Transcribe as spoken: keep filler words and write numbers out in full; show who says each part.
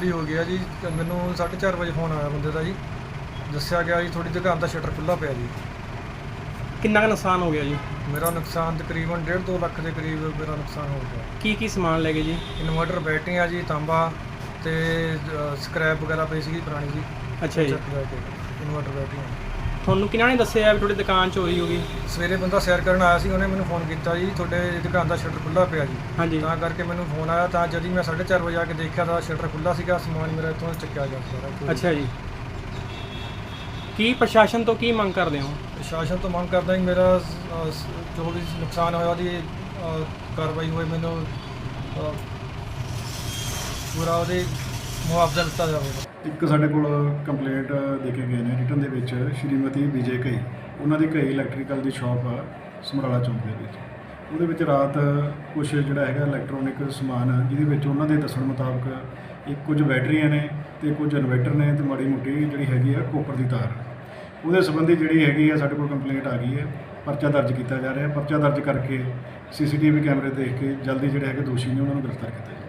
Speaker 1: ਚੋਰੀ ਹੋ ਗਿਆ ਜੀ। ਤੇ ਮੈਨੂੰ ਸਾਢੇ ਚਾਰ ਵਜੇ ਫੋਨ ਆਇਆ ਬੰਦੇ ਦਾ ਜੀ, ਦੱਸਿਆ ਗਿਆ ਜੀ ਤੁਹਾਡੀ ਦੁਕਾਨ ਦਾ ਸ਼ਟਰ ਖੁੱਲ੍ਹਾ ਪਿਆ ਜੀ।
Speaker 2: ਕਿੰਨਾ ਕੁ ਨੁਕਸਾਨ ਹੋ ਗਿਆ ਜੀ?
Speaker 1: ਮੇਰਾ ਨੁਕਸਾਨ ਤਕਰੀਬਨ ਡੇਢ ਦੋ ਲੱਖ ਦੇ ਕਰੀਬ ਮੇਰਾ ਨੁਕਸਾਨ ਹੋ ਗਿਆ।
Speaker 2: ਕੀ ਕੀ ਸਮਾਨ ਲੈ ਗਏ ਜੀ?
Speaker 1: ਇਨਵਰਟਰ, ਬੈਟਰੀਆਂ ਜੀ, ਤਾਂਬਾ ਤੇ ਸਕ੍ਰੈਪ ਵਗੈਰਾ ਪਈ ਸੀਗੀ ਪੁਰਾਣੀ ਜੀ।
Speaker 2: ਅੱਛਾ ਜੀ,
Speaker 1: ਚੱਕ ਲੈ ਕੇ ਇਨਵਰਟਰ, ਬੈਟਰੀਆਂ।
Speaker 2: ਤੁਹਾਨੂੰ ਕਿਹਨਾਂ ਨੇ ਦੱਸਿਆ ਵੀ ਤੁਹਾਡੀ ਦੁਕਾਨ ਚੋਰੀ ਹੋ ਗਈ?
Speaker 1: ਸਵੇਰੇ ਬੰਦਾ ਸੈਰ ਕਰਨ ਆਇਆ ਸੀ, ਉਹਨੇ ਮੈਨੂੰ ਫੋਨ ਕੀਤਾ ਜੀ ਤੁਹਾਡੇ ਦੁਕਾਨ ਦਾ ਸ਼ਟਰ ਖੁੱਲ੍ਹਾ ਪਿਆ ਜੀ।
Speaker 2: ਹਾਂਜੀ,
Speaker 1: ਤਾਂ ਕਰਕੇ ਮੈਨੂੰ ਫੋਨ ਆਇਆ, ਤਾਂ ਜਦ ਹੀ ਮੈਂ ਸਾਢੇ ਚਾਰ ਵਜੇ ਆ ਕੇ ਦੇਖਿਆ ਤਾਂ ਸ਼ਟਰ ਖੁੱਲ੍ਹਾ ਸੀਗਾ। ਸਮਾਨ ਮੇਰਾ ਇੱਥੋਂ ਚੱਕਿਆ ਗਿਆ ਸਾਰਾ।
Speaker 2: ਅੱਛਾ ਜੀ। ਕੀ ਪ੍ਰਸ਼ਾਸਨ ਤੋਂ ਕੀ ਮੰਗ ਕਰਦੇ ਹੋ?
Speaker 1: ਪ੍ਰਸ਼ਾਸਨ ਤੋਂ ਮੰਗ ਕਰਦਾ ਜੀ ਮੇਰਾ ਅ, ਸ- ਜੋ ਵੀ ਨੁਕਸਾਨ ਹੋਇਆ ਉਹਦੀ ਅ, ਕਾਰਵਾਈ ਹੋਏ, ਮੈਨੂੰ ਅ, ਪੂਰਾ ਉਹਦੇ ਮੁਆਵਜ਼ਾ ਦਿੱਤਾ ਜਾਵੇ।
Speaker 3: ਇੱਕ ਸਾਡੇ ਕੋਲ ਕੰਪਲੇਂਟ ਦੇ ਕੇ ਗਏ ਨੇ ਰਿਟਨ ਦੇ ਵਿੱਚ, ਸ਼੍ਰੀਮਤੀ ਵਿਜੇ ਘਈ, ਉਹਨਾਂ ਦੀ ਘਈ ਇਲੈਕਟ੍ਰੀਕਲ ਦੀ ਸ਼ਾਪ ਆ ਸਮਰਾਲਾ ਚੌਂਕ ਦੇ ਵਿੱਚ। ਉਹਦੇ ਵਿੱਚ ਰਾਤ ਕੁਝ ਜਿਹੜਾ ਹੈਗਾ ਇਲੈਕਟ੍ਰੋਨਿਕ ਸਮਾਨ ਆ, ਜਿਹਦੇ ਵਿੱਚ ਉਹਨਾਂ ਦੇ ਦੱਸਣ ਮੁਤਾਬਕ ਇੱਕ ਕੁਝ ਬੈਟਰੀਆਂ ਨੇ ਤੇ ਕੁਝ ਇਨਵਰਟਰ ਨੇ ਤੇ ਮਾੜੀ ਮੋਟੀ ਜਿਹੜੀ ਹੈਗੀ ਆ ਕੋਪਰ ਦੀ ਤਾਰ। ਉਹਦੇ ਸੰਬੰਧੀ ਜਿਹੜੀ ਹੈਗੀ ਆ ਸਾਡੇ ਕੋਲ ਕੰਪਲੇਂਟ ਆ ਗਈ ਹੈ। ਪਰਚਾ ਦਰਜ ਕੀਤਾ ਜਾ ਰਿਹਾ। ਪਰਚਾ ਦਰਜ ਕਰਕੇ ਸੀਸੀਟੀਵੀ ਕੈਮਰੇ ਦੇਖ ਕੇ ਜਲਦੀ ਜਿਹੜੇ ਹੈਗੇ ਦੋਸ਼ੀ ਨੇ ਉਹਨਾਂ ਨੂੰ ਗ੍ਰਿਫਤਾਰ ਕੀਤਾ ਜਾਵੇ।